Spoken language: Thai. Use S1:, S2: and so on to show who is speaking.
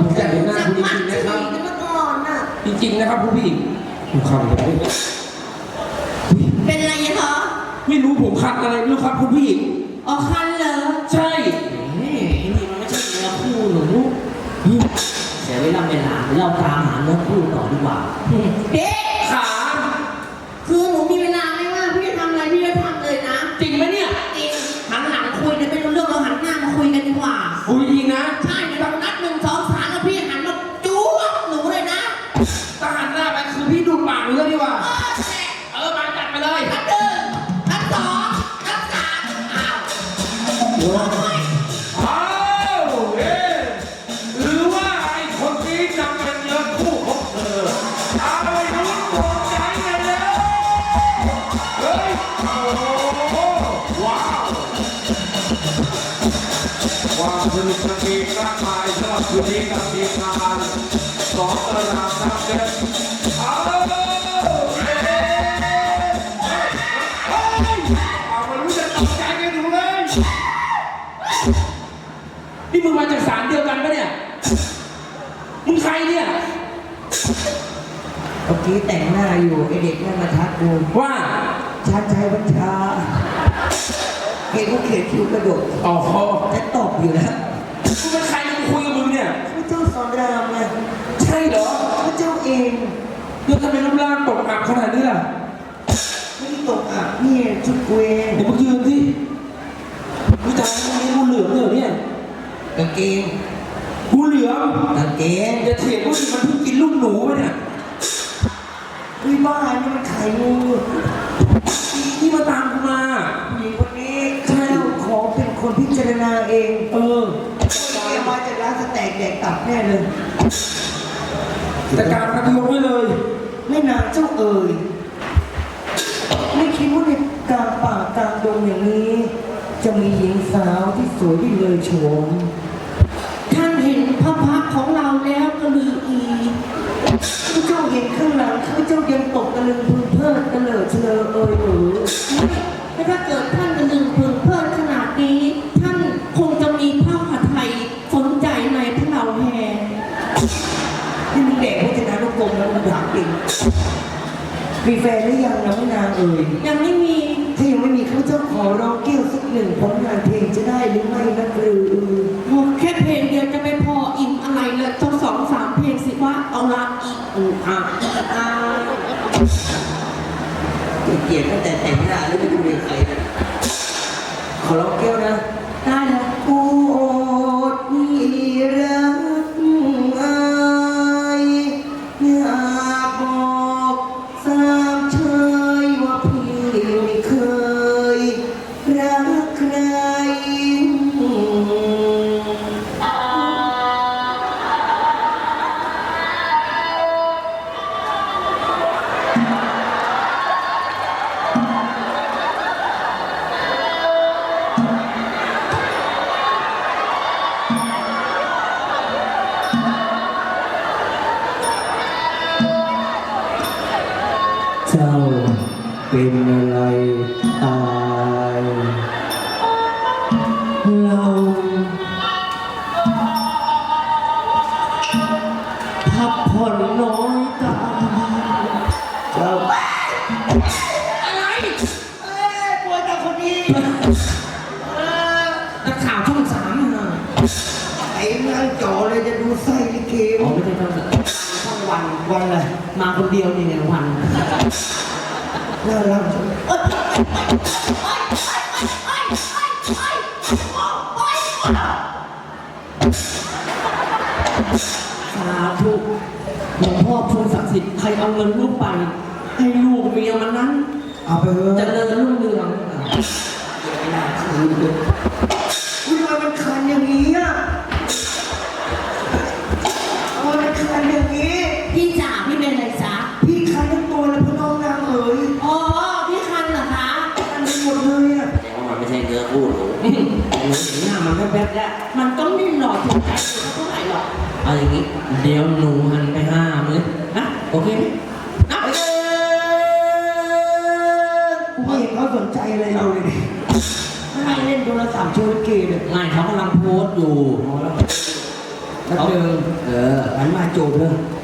S1: อยากเห็นหน้าคุณจริงๆนะครับ
S2: เมื่อก่อนน่ะ
S1: จริงๆนะครับคุณผู้หญิงผมคันเลย
S2: เป็นไรอะคะ
S1: ไม่รู้ผมคันอะไรไม่รู้ครับคุณผู้หญิง
S2: อ๋อคันเหรอ
S1: ใช่
S3: นี่มันไม่ใช่เนื้อคู่หนูเสียเวลาเราตามหาเนื้อคู่ต่อดีกว่า
S2: เด็ก
S1: ขา
S2: คือหนูมีเวลาไม่ว่างพี่จะทำอะไรพี่จะทำเลยนะ
S1: จริงไหมเนี่ย
S2: จริงหันหลังคุยเนี่ยไม่รู้เรื่องเราหันหน้ามาคุยกันดีกว่า
S1: คุยจริงนะ
S2: ใช่เดี๋ยวเรานัด1 2 3แล้วพี่หันมาจู๊บหนูเลยนะ
S1: ถ้าหันหน้าไปคือพี่ดูดปากเลยดีกว่า
S2: เออ
S1: มาจัดไปเลย
S2: นัด1นัด2นัด3อ้าวโอ้ย
S1: อ้าวเอ๊ะหรือว่าไอ้คนนี้จะเป็นเนื้อคู่ของเธอเอาไปดูตกใจเลยแล้วเฮ้ยโอ้โหว้าวความสนุกสนานมากมายสำหรับคืนนี้กับทีมงานสองตระหนักน้ำเด็ดเอาไม่รู้จะตกใจกันอยู่เลยนี่มึงมาจากศาลเดียวกันปะเนี่ยมึงใครเนี่ย
S4: เมื่อกี้แต่งหน้าอยู่ไอเด็กนั่นมาทักกู
S1: ว่า
S4: ชันชัยวัญชาเห็นว่าเขียนคิ้วกระโดด
S1: อ๋อ
S4: จะตบอยู่นะ
S1: มึงเป็นใครมึงคุยกับมึงเนี่ย
S4: พระเจ้าสอนรามไง
S1: ใช่เหรอ
S4: พระเจ้าเอง
S1: แล้วทำไมรูปร่างตกอับขนาดนี้ล่ะ
S4: ไม่ได้ตกอับนี่ชุดเวร
S1: เดี๋ยวมึงยืนสิวิจารณ์มึงมีงูเหลือมเนี่ยเหรอเนี่ย
S4: กางเกง
S1: งูเหลือม
S4: กางเกง
S1: อย่าเถียงว่ามันเพิ่งกินลูกหนูไปเนี่ย
S4: วิบ้านนี่มันไข่งู
S1: นี่มาตามกูมา
S4: ผู้หญิงคนนี้ข้าเจ้าขอเป็นคนพิจารณาเอง
S1: เออ
S4: แกมาจากร้านสแต็กแดกตับแน่เลย
S1: แต่การกระทำไว้เลย
S4: ไม่นานเจ้าเอ๋ยไม่คิดว่าในกลางป่ากลางดงอย่างนี้ จะมีหญิงสาวที่สวยที่เลยโฉม
S2: ท่านเห็นพระพักตร์ของเราแล้วก็ลืออี
S4: ข้าเจ้าเห็นข้างหลังข้าเจ้ายังตกตะลึงพึงเพลิดตะเลิดเฉลอเอ่ยหรือ
S2: ไม่ถ้าเกิดท่านกระดึงพึงเพลิดขนาดนี้ ท่านคงจะมีผ้าผัดไทยสนใจในพระเราแห่
S4: นี่มึงแดกพจนานุกรมแล้วมึงถามจริงมีแฟนหรือยังนะไม่นางเอ่ย
S2: ยังไม่มี
S4: ถ้ายังไม่มีข้าเจ้าขอร้องเกี้ยวสักหนึ่งผลงานเพลงจะได้หรือไม่นะหรือ
S2: โอ้แค่เพลงเดียวจะไม่พออิ่มอะไรเลยต้อง2 3 เพลงสิว่าเอาละอีกอ่ะอ่ะ
S4: เกลียดตั้งแต่แต่งหน้าแล้วไม่ดูเลยใครนะขอร้องเกี้ยวนะ
S2: ได้แล้ว
S4: โอ้ที่รักอายอยากบอกสามเชยว่าพี่ไม่เคยรักใคร เจ้าเป็นอะไรตายเราพักผ่อนน้อยตาเจ้าอะไรป่วยแต่คนนี้
S2: นักข่าวช่อง3น่ะ
S4: ไอ้นั่งจ่อเลยจะดูไส้ลิเก
S3: อ๋อไม่ใช่ช่องวัน
S4: วันอะไร
S3: มาคนเดียวนี่ไงวัน
S4: น่ารักจัง
S3: สาธุหลวงพ่อพูดศักดิ์สิทธิ์ใครเอาเงินลูกไป ให้ลูกเมียมันนั้น
S4: เอาไปเถอะ
S3: เจริญรุ่งเรือง
S4: ไม่น่าคืนเลยอุ้ยทำไมมันคันอย่างนี้อ่ะทำไมมันคันอย่างนี้
S2: พี่จ๋าพี่เป็นอะไรจ๊ะ
S4: พี่คันทั้งตัวเลยพี่น้องนางเอ๋ย
S2: อ๋อพี่คันเหรอคะ
S4: คันไปหมดเลยอ่ะ
S3: แต่ว่ามันไม่ใช่เนื้อคู่หนูหนูเห็นหน้ามันแป๊บๆแล้ว
S2: มันก็ไม่หล่อถูกใจเท่าไหร่หรอก
S3: เอาอย่างนี้ เดี๋ยวหนูหันไปห้ามเลยนะโอเคไหมนะ
S4: กูไม่เห็นเขาสนใจอะไรเราเลยดิไม่เล่นโทรศัพท์โชว์ลิเกเลย
S3: ไม่เขากำลังโพสต์อยู่
S4: แป๊บนึง
S3: หันมาจูบเลย